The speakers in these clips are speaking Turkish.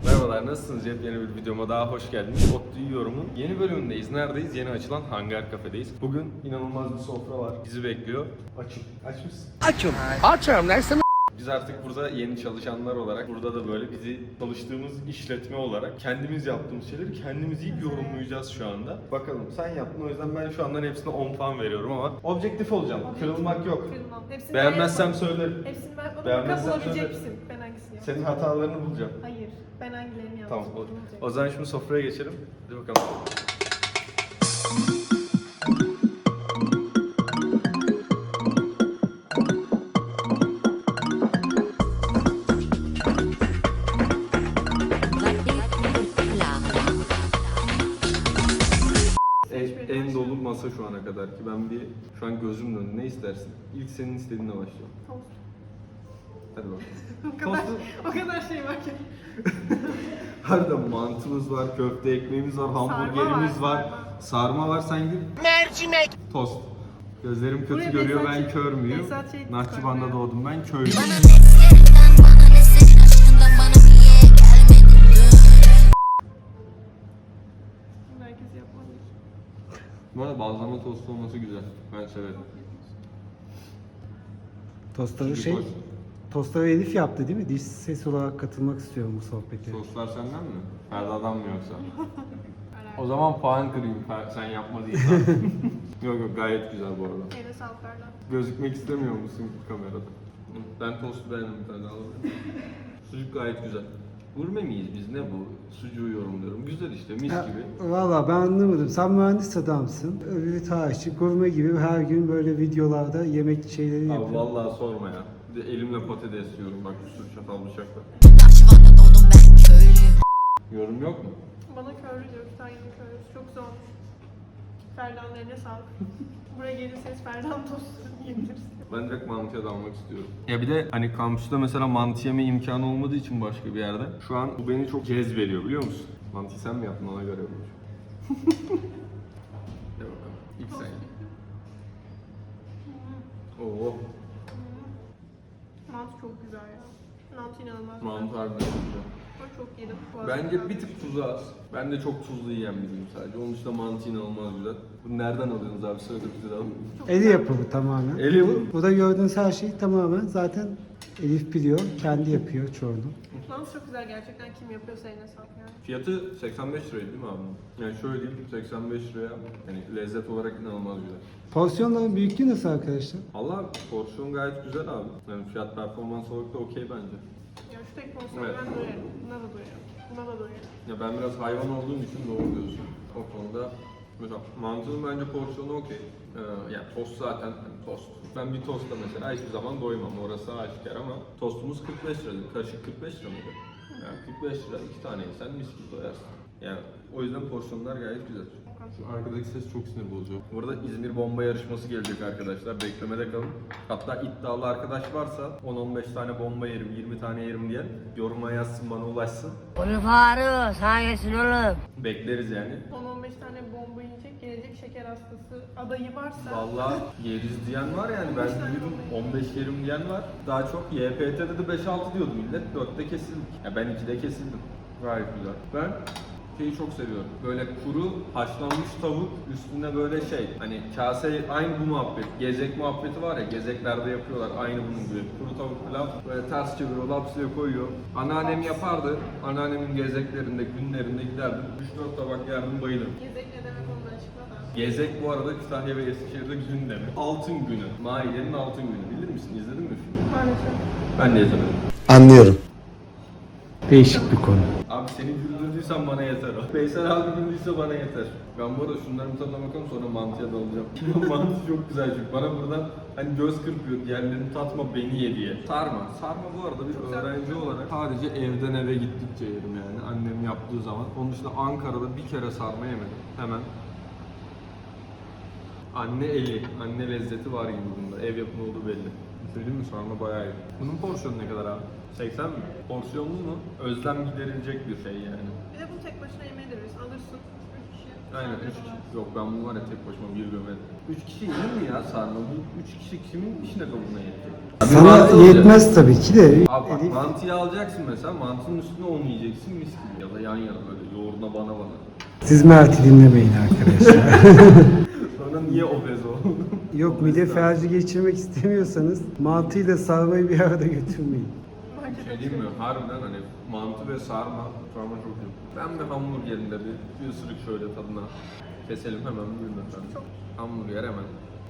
Merhabalar, nasılsınız? Yeni bir videoma daha hoş geldiniz. Otlu Yiyorum'un yeni bölümündeyiz. Neredeyiz? Yeni açılan Hangar Kafe'deyiz. Bugün inanılmaz bir sofra var. Bizi bekliyor. Açım. Aç mısın? Açım. Açım. Dersin. Biz artık burada yeni çalışanlar olarak, burada da böyle bizi çalıştığımız işletme olarak kendimiz yaptığımız şeyleri kendimiz yiyip yorumlayacağız şu anda. Bakalım, sen yaptın, o yüzden ben şu andan hepsine 10 puan veriyorum ama objektif olacağım. Kırılmak yok. Kırılmam. Hepsini Beğenmezsem söylerim. Hepsini ben yapmadım. Beğenmezsen Bulabilecek söyle. misin? Ben hangisini yaptım? Senin hatalarını bulacağım. Hayır. Ben hangilerini yaptım? Tamam, Bulacak. o zaman şimdi sofraya geçelim. Hadi bakalım. En dolu masa şu ana kadar ki ben şu an gözümün önünde. Ne istersin? İlk senin istediğinle başlayalım. Tost. Hadi bakalım. O kadar, o kadar şey var ki. Harbiden mantımız var, köfte ekmeğimiz var, hamburgerimiz var, sarma var. Sen gir. Mercimek. Tost. Gözlerim kötü Buraya görüyor, Behzat ben şey- kör müyüm? Behzat şey Nahçıvan'da koymuyor. doğdum ben, köylüyüm. Bunu herkes yapmalı. Bu arada bazlama tost olması güzel. Ben severim. Tostları Çünkü Tostları Elif yaptı değil mi? Diş ses olarak katılmak istiyorum bu sohbete. Soslar senden mi? Ferda'dan mı yoksa? O zaman puan kırayım, sen yapmadıysan. Yok yok, gayet güzel bu arada. Eline sağlık Ferda. Gözükmek istemiyor musun kamerada? Ben tostu beğendim, bir tane alalım. Sucuk gayet güzel. Gurme miyiz biz, ne bu? Sucuğu yorumluyorum. Güzel işte, mis Ya, gibi. valla ben anlamadım. Sen mühendis adamsın. Öbürü tarihçi. Gurme gibi her gün böyle videolarda yemek şeyleri Abi yapıyor. vallahi sorma ya. Bir de elimle patates yiyorum, bak bir sürü çatal bıçakla. Yorum yok mu? Bana köylü diyor. Bir tane yemek köylüsü. Çok güzel olmuş. Ferda'nın eline sağlık. Buraya gelirseniz Ferda'nın tostunu yiyebilirsiniz. Ben direkt mantıya dalmak istiyorum. Ya bir de hani kampüste mesela mantı yeme imkanı olmadığı için başka bir yerde. Şu an bu beni çok cezbediyor, biliyor musun? Mantıyı sen mi yaptın, ona göre olmuş. Hadi bakalım. İlk sen ye. Oo, Mantı çok güzel ya. Mantı inanılmaz. mantı harbiden güzel. Ben çok yedim. Bu arada. Bence bir tık tuzu az. Ben de çok tuzlu yiyen biriyim sadece. Onun dışında mantı inanılmaz güzel. Bunu nereden alıyorsunuz abi? Söyle bize de alalım. Eli yapımı tamamen. El yapımı. Burada gördüğünüz her şey tamamen zaten Elif biliyor. Kendi yapıyor çoğunu. Mantı çok güzel gerçekten. Kim yapıyorsa eline sağlık yani. Fiyatı 85 liraydı değil mi abi? Yani şöyle diyeyim, 85 liraya yani lezzet olarak inanılmaz güzel. Porsiyonların büyüklüğü nasıl arkadaşlar? Allah, porsiyon gayet güzel abi. Yani fiyat performans olarak da okey bence. Ya şu tek porsiyonu Evet. ben doyarım. Buna da doyarım. Buna da doyarım. Ya ben biraz hayvan olduğum için doğru diyorsun. O konuda mesela mantının bence porsiyonu okey. Yani tost zaten hani tost. Ben bir tosta mesela hiçbir zaman doymam, orası aşikar, ama tostumuz 45 lira. Karışık 45 lira mıydı? Yani 45 lira, 2 tane yesen mis gibi doyarsın. Yani o yüzden porsiyonlar gayet güzel. Şu arkadaki ses çok sinir bozucu. Bu arada İzmir bomba yarışması gelecek arkadaşlar. Beklemede kalın. Hatta iddialı arkadaş varsa 10-15 tane bomba yerim, 20 tane yerim diye yoruma yazsın, bana ulaşsın. Onu Faruk. Sana gelsin oğlum. Bekleriz yani. 10-15 tane bomba yiyecek, gelecek şeker hastası adayı varsa... Vallahi yeriz diyen var yani, ben duydum 15 yerim diyen var. Daha çok YPT'de de 5-6 diyordu millet, 4'te kesildik. Ya ben 2'de kesildim. Gayet güzel. Ben şeyi çok seviyorum. Böyle kuru haşlanmış tavuk üstünde böyle hani kase, aynı bu muhabbet. Gezek muhabbeti var ya, gezeklerde yapıyorlar aynı bunun gibi. Kuru tavuk pilav böyle ters çeviriyor, lapsıya koyuyor. Anneannem yapardı. Anneannemin gezeklerinde, günlerinde giderdim. 3-4 tabak yerdim, bayılırım. Gezek ne demek onu açıkla da. Gezek bu arada Kütahya ve Eskişehir'de gün demek. Altın günü. Maidenin altın günü. Bilir misin? İzledin mi filmi? Maalesef. Ben de izlemedim. Anlıyorum. Değişik bir konu. Abi seni güldürdüysen bana yeter o. Veysel abi güldüyse bana yeter. Ben bu arada şunların tadına bakalım, sonra mantıya dalacağım. Mantı çok güzel çünkü bana buradan hani göz kırpıyor, diğerlerini tatma beni ye diye. Sarma. Sarma bu arada bir öğrenci olarak sadece evden eve gittikçe yerim yani, annem yaptığı zaman. Onun dışında Ankara'da bir kere sarma yemedim. Hemen anne eli, anne lezzeti var gibi bunda. Ev yapımı olduğu belli. Söyleyeyim mi? Sarma bayağı iyi. Bunun porsiyonu ne kadar abi? 80 mi? Porsiyonlu mu? Özlem giderilecek bir şey yani. Bir de bunu tek başına yemeyi de bilirsin. Alırsın 3 kişi. Aynen 3 kişi. Yok ben bunu var ya tek başıma bir gömedim. 3 kişi yenir mi ya sarma? Bu 3 kişi kimin işine kabına yetecek? Sana yetmez tabii ki de. Abi bak Elif, mantıyı alacaksın mesela, mantının üstüne onu yiyeceksin mis gibi. Ya da yan yana böyle yoğuruna bana. siz Mert'i dinlemeyin arkadaşlar. Sonra niye obez oldun? Yok mide felci geçirmek istemiyorsanız mantıyla sarmayı bir arada götürmeyin. Bence de Şey diyeyim mi? Harbiden hani mantı ve sarma çok iyi. Ben bir hamburgerinde bir ısırık şöyle tadına keselim hemen buyurun efendim. Hamburger hemen.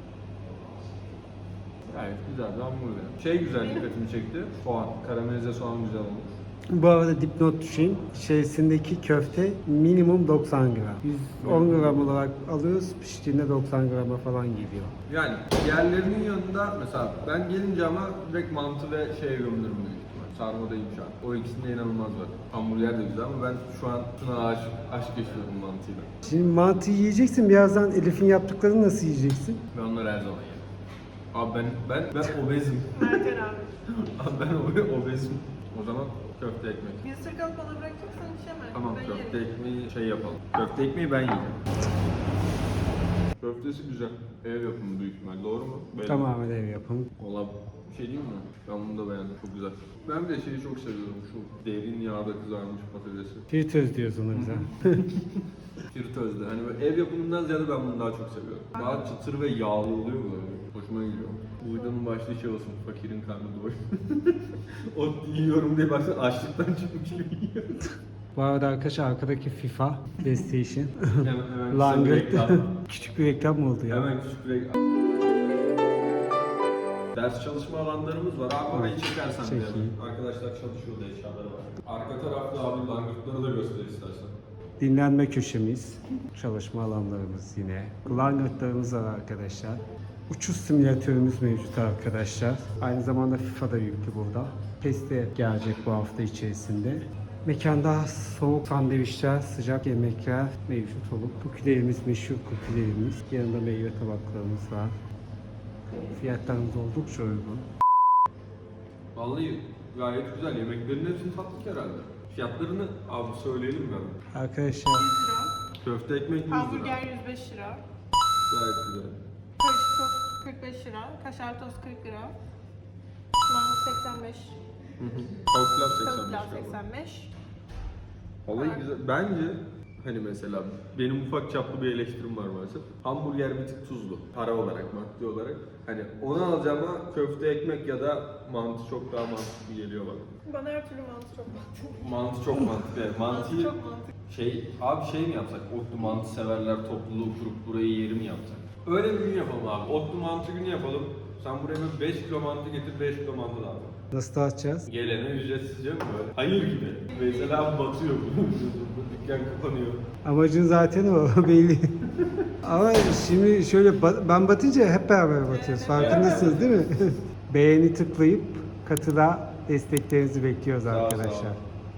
Gayet güzel bir hamburger. Şey güzel dikkatimi çekti. Soğan. Karamelize soğan güzel olmuş. Bu arada dipnot düşeyim. İçerisindeki köfte minimum 90 gram. 110 gram olarak alıyoruz. Piştiğinde 90 grama falan geliyor. Yani diğerlerinin yanında mesela ben gelince ama direkt mantı ve şeye gömülürüm büyük ihtimal. Sarmadayım şu an. O ikisinde inanılmaz var. Hamburger de güzel ama ben şu an şuna aşk yaşıyorum mantıyla. Şimdi mantı yiyeceksin. Birazdan Elif'in yaptıklarını nasıl yiyeceksin? Ben onları her zaman yerim. Abi ben obezim. Mert'er abi. Abi ben obezim. O zaman köfte ekmek. Bir ısırık alıp bana bırakacaksan içemem. Tamam Ben köfte yerim. ekmeği şey yapalım. Köfte ekmeği ben yiyeceğim. Köftesi güzel. Ev yapımı büyük ihtimal. Doğru mu? Belli. Tamamen ev yapımı. Valla bir şey diyeyim mi? Ben bunu da beğendim. Çok güzel. Ben bir de şeyi çok seviyorum. Şu derin yağda kızarmış patatesi. Fritöz diyoruz ona bize. Fritözde. Hani böyle ev yapımından ziyade ben bunu daha çok seviyorum. Daha çıtır ve yağlı oluyor böyle. Hoşuma gidiyor. Bu videonun başlığı şey olsun. Fakirin karnı doyur. Ot yiyorum diye baksana açlıktan çıkmış gibi yiyor. Bu arada arkadaşlar arkadaki FIFA, PlayStation, Hemen Langırt. reklam. Küçük bir reklam mı oldu ya? Hemen küçük bir reklam. Ders çalışma alanlarımız var. Abi orayı çekersen Çekeyim. bir. Arkadaşlar çalışıyor da eşyaları var. Arka tarafta abi langırtları da göster istersen. Dinlenme köşemiz, çalışma alanlarımız yine. Langırtlarımız var arkadaşlar. Uçuş simülatörümüz mevcut arkadaşlar. Aynı zamanda FIFA da yüklü burada. PES de gelecek bu hafta içerisinde. Mekanda soğuk sandviçler, sıcak yemekler mevcut olup kukilerimiz meşhur kukilerimiz. Yanında meyve tabaklarımız var. Fiyatlarımız oldukça uygun. Vallahi gayet güzel. Yemeklerin hepsini tatlık herhalde. Fiyatlarını abi söyleyelim mi? Arkadaşlar 100 lira. Köfte ekmek 100 lira. Hamburger 105 lira. Gayet güzel. Karışık tost 45 lira. Kaşar tost 40 lira. Mantı 85. Tavuk pilav Tavuk 85 pilav galiba. 85. Vallahi güzel. Bence hani mesela benim ufak çaplı bir eleştirim var maalesef. Hamburger bir tık tuzlu. Para olarak, maddi olarak. Hani onu alacağıma köfte ekmek ya da mantı çok daha mantıklı geliyor bana. Bana her türlü mantı çok mantıklı. Mantı çok mantıklı. Evet, mantıyı Çok mantıklı. şey mi yapsak? Otlu mantı severler topluluğu kurup burayı yeri mi yapsak? Öyle bir gün yapalım abi. Otlu mantı günü yapalım. Sen buraya bir 5 kilo mantı getir, 5 kilo mantı dağıt. nasıl dağıtacağız? Gelene ücretsizce mi böyle? Hayır gibi. Mesela batıyor. Dükkan kapanıyor. Amacın zaten o belli. Ama şimdi şöyle ben batınca hep beraber batıyoruz. Farkındasınız değil mi? Beğeni tıklayıp katıla desteklerinizi bekliyoruz Sağ ol, sağ ol. arkadaşlar.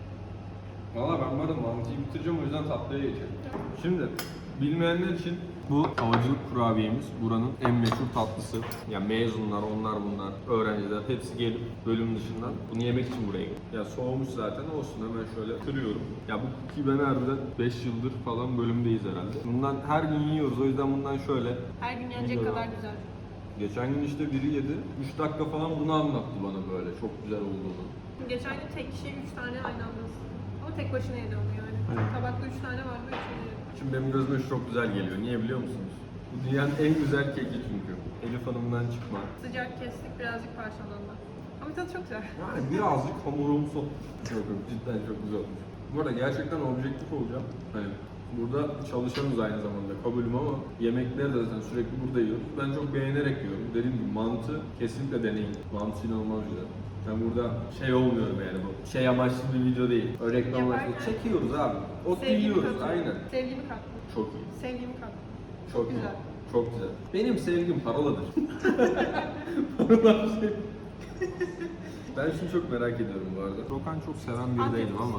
Valla ben varım mantıyı bitireceğim o yüzden tatlıya geçelim. Şimdi bilmeyenler için bu havacılık kurabiyemiz buranın en meşhur tatlısı. Yani mezunlar, onlar bunlar, öğrenciler hepsi gelip bölüm dışından bunu yemek için buraya geliyor. Ya soğumuş zaten olsun hemen şöyle kırıyorum. Ya bu cookie ben harbiden 5 yıldır falan bölümdeyiz herhalde. Bundan her gün yiyoruz o yüzden bundan şöyle. Her gün yenecek Biliyorum. kadar güzel. Geçen gün işte biri yedi. 3 dakika falan bunu anlattı bana böyle çok güzel olduğunu. Geçen gün tek kişiye 3 tane aynı anda ısırdım. Ama tek başına yedi onu yani. Evet. Tabakta 3 tane vardı, 3'ünü yedi. Şimdi benim gözüme şu çok güzel geliyor. Niye biliyor musunuz? Bu dünyanın en güzel keki çünkü. Elif Hanım'dan çıkma. Sıcak kestik, birazcık parçalandı. Ama tadı çok güzel. Yani birazcık hamurumsu. Yok yok cidden çok güzel olmuş. Bu arada gerçekten objektif olacağım. Hani burada çalışanız aynı zamanda kabulüm ama yemekleri de zaten sürekli burada yiyoruz. Ben çok beğenerek yiyorum. Dediğim gibi mantı kesinlikle deneyin. Mantı inanılmaz güzel. Ben burada şey olmuyorum yani bu. Şey amaçlı bir video değil. Öyle reklam amaçlı. Yaparken Çekiyoruz abi. Ot Sevgimi yiyoruz. kattım. Aynen. Sevgimi kattım. Çok iyi. Sevgimi kattım. Çok güzel. iyi. Çok güzel. Benim sevgim paroladır. Parolar şey. Ben şunu çok merak ediyorum bu arada. Rokan çok seven biri değilim ama.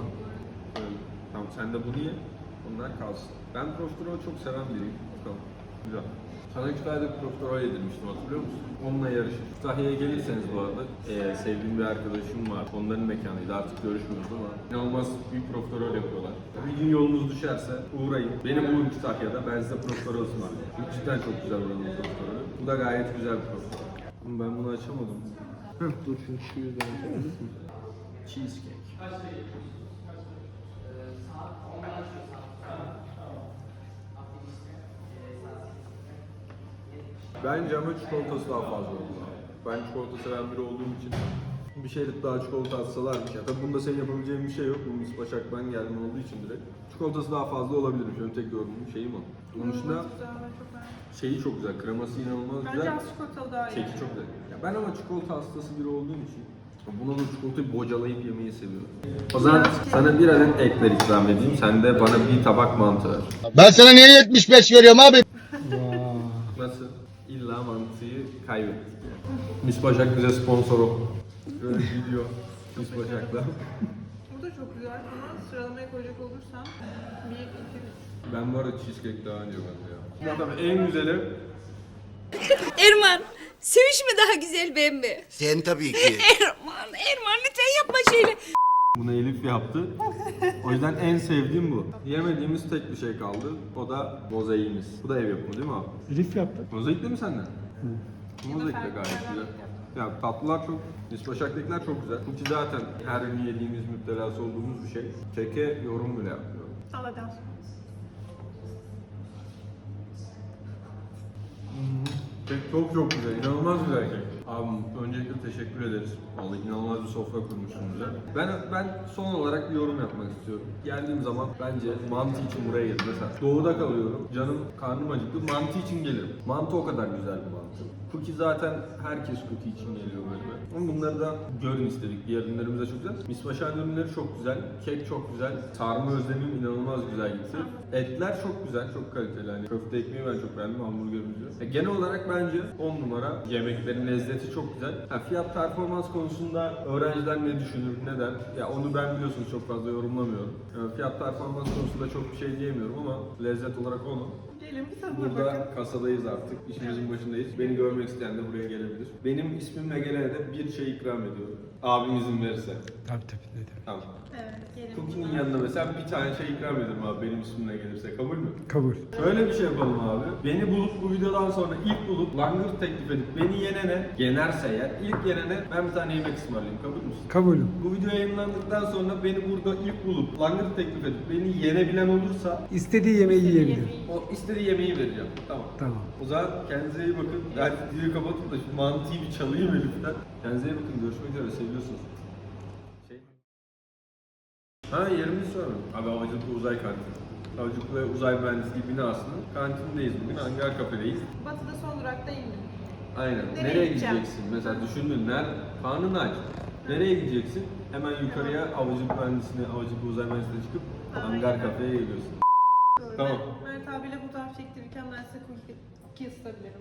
Tamam sen de bunu ye. Onlar kalsın. Ben profiterol çok seven biriyim. Bakalım. Güzel. Sana Kütahya'da bir profiterol yedirmiştim, hatırlıyor musun? Onunla yarışır. Kütahya'ya gelirseniz bu arada, sevdiğim bir arkadaşım var. Onların mekanıydı, artık görüşmüyoruz ama inanılmaz büyük profiterol yapıyorlar. Bir gün yolunuz düşerse uğrayın. Benim uğrum Kütahya'da, ben size profiterol ısmarlayayım. Çünkü cidden çok güzel oranın profiterolü. Bu da gayet güzel bir profiterol. Ama ben bunu açamadım. Dur çünkü şu yüzden açamadım. Cheesecake. Bence ama çikolatası daha fazla oldu. Ben çikolata seven biri olduğum için bir şeylik daha çikolata atsalarmış. Ya tabii bunda senin yapabileceğin bir şey yok. Bu mis başaktan gelme olduğu için direkt. Çikolatası daha fazla olabilir. Şöyle tek yorumum şeyim o. Onun dışında Çok güzel, ben çok beğendim. şeyi çok güzel, kreması inanılmaz Bence güzel. az çikolatalı daha iyi. Keki çok güzel. Ya ben ama çikolata hastası biri olduğum için buna da çikolatayı bocalayıp yemeyi seviyorum. O zaman sana bir adet ekler ikram edeyim. Sen de bana bir tabak mantı ver. Ben sana niye 75 veriyorum abi? Nasıl? İlla mantıyı kaybettik yani. Mis Başak bize sponsor ol. Böyle video Mis Başak'la. Bu da çok güzel ama sıralamaya koyacak olursam 1, 2, 3. Ben bu arada cheesecake daha önce bende ya. Ama tabii en güzeli Erman, sevişme daha güzel ben mi? Sen tabii ki. Erman lütfen yapma şöyle. bunu Elif yaptı. O yüzden en sevdiğim bu. Yemediğimiz tek bir şey kaldı. O da mozaiğimiz. Bu da ev yapımı değil mi abi? Elif yaptı. Mozaik de mi senden? Mozaik de gayet güzel. Ya tatlılar çok, Mis Başak'takiler çok güzel. Cookie zaten her gün yediğimiz, müptelası olduğumuz bir şey. Keke yorum bile yapmıyorum. Al hadi al. Kek çok güzel, inanılmaz güzel kek. Abim öncelikle teşekkür ederiz. Vallahi inanılmaz bir sofra kurmuşsun bize. Ben son olarak bir yorum yapmak istiyorum. Geldiğim zaman bence mantı için buraya geldim. Mesela doğuda kalıyorum, canım karnım acıktı, mantı için gelirim. Mantı o kadar güzel bir mantı. Cookie zaten herkes cookie için geliyor böyle. Ama bunları da görün istedik. Diğer ürünlerimiz de çok güzel. Mis Başak'ın ürünleri çok güzel, kek çok güzel, sarma özlemim inanılmaz güzel gitti. Etler çok güzel, çok kaliteli. Yani köfte ekmeği ben çok beğendim, hamburgerimizi. Genel olarak bence 10 numara. Yemeklerin lezzeti çok güzel. Fiyat performans konusunda öğrenciler ne düşünür, ne der? Ya onu ben biliyorsunuz çok fazla yorumlamıyorum. Fiyat performans konusunda çok bir şey diyemiyorum ama lezzet olarak onu. Gelin bir tadına Burada bakın. kasadayız artık. İşimizin başındayız. Beni görmek isteyen de buraya gelebilir. Benim ismimle gelene de bir şey ikram ediyorum. Abim izin verirse. Tabii tabii. Ne demek. Tamam. Evet, gelin. Cookie'nin yanına mesela bir tane şey ikram ederim abi benim ismimle gelirse. Kabul mü? Kabul. Şöyle bir şey yapalım abi. Beni bulup bu videodan sonra ilk bulup langırt teklif edip beni yenerse eğer ilk yenene ben bir tane yemek ısmarlayayım. Kabul müsün? Kabulüm. Bu video yayınlandıktan sonra beni burada ilk bulup langırt teklif edip beni yenebilen olursa İstediği yemeği yiyebilir. o istediği yemeği vereceğim. Tamam. Tamam. O zaman kendinize iyi bakın. Yani videoyu kapatın da şu mantıyı bir çalayım Elif'ten. Kendinize iyi bakın. Görüşmek üzere. Seviyorsunuz. Yerimizi soralım. Abi Havacılıklı Uzay Kantini. Havacılık ve Uzay Mühendisliği binasının kantindeyiz bugün. Hangar kafedeyiz. Batı'da son durakta indim. Aynen. Nereye Nereye gideceğim? gideceksin? Mesela düşündün. Karnın aç. Nereye gideceksin? Hemen yukarıya Havacılık Mühendisliğine, Havacılık ve Uzay Mühendisliğine çıkıp hangar kafeye geliyorsun. Doğru. Tamam. Mert abiyle fotoğraf çektirirken ben size cookie ısıtabilirim.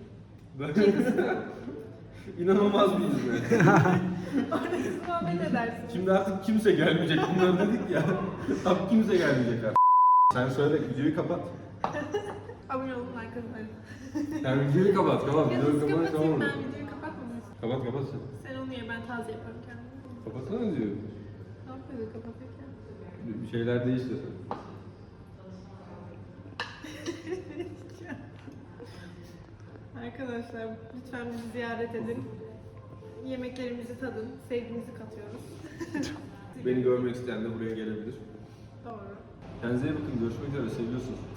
İnanılmaz bir hizmet. Orada siz muhabbet edersiniz. Şimdi artık kimse gelmeyecek. Bunları dedik ya. Abi kimse gelmeyecek artık. Sen söyle videoyu kapat. Abone olun, like atın. Yani videoyu kapat. Ya Videoyu nasıl kapat. kapatayım ben videoyu kapatmadım. Kapat sen. Sen onu ye, ben taze yaparım kendim. Kapatsana diyor. Ne yapıyordu kapatırken? Bir şeyler değişti. Arkadaşlar lütfen bizi ziyaret edin. Yemeklerimizi tadın, sevgimizi katıyoruz. Beni görmek isteyen de buraya gelebilir. Doğru. Kendinize iyi bakın. Görüşmek üzere. Seviyorsunuz.